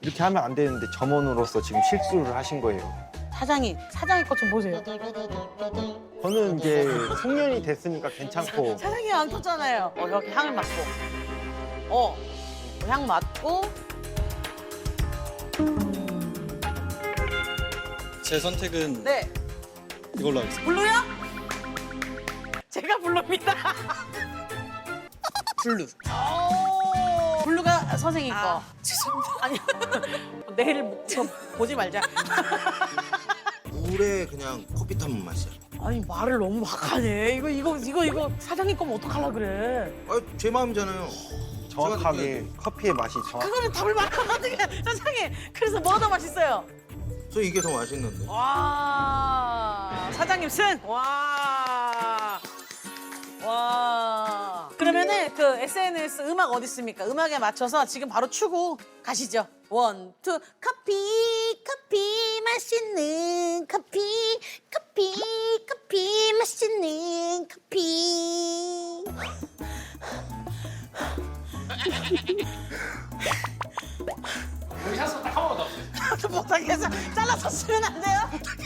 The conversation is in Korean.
이렇게 하면 안 되는데 점원으로서 지금 실수를 하신 거예요. 사장이 것 좀 보세요. 저는 이제 송년이 됐으니까 괜찮고 사장이 안 켰잖아요. 이렇게 향을 맡고. 향 맡고. 제 선택은 네. 이걸로 하겠습니다. 블루요? 제가 블루입니다. 블루. 블루가 선생님 거. 죄송합니다. 아니, 내일 보지 말자. 물에 그냥 커피 타면 맛이야. 아니, 말을 너무 막 하네. 이거 사장님 거면 어떡하려 그래. 아, 제 마음이잖아요. 정확하게 커피의 맛이 정확. 그거는 답을 말하면 어떡해. 사장님, 그래서 뭐가 더 맛있어요? 저 이게 더 맛있는데. 와, 사장님 승! 와. 그러면은 그 SNS 음악 어디 있습니까? 음악에 맞춰서 지금 바로 추고 가시죠. 원, 투, 커피 맛있는 커피 맛있는 커피. 우리 샷스 딱한 번만 더. 못하겠어. 잘라서 쓰면 안 돼요?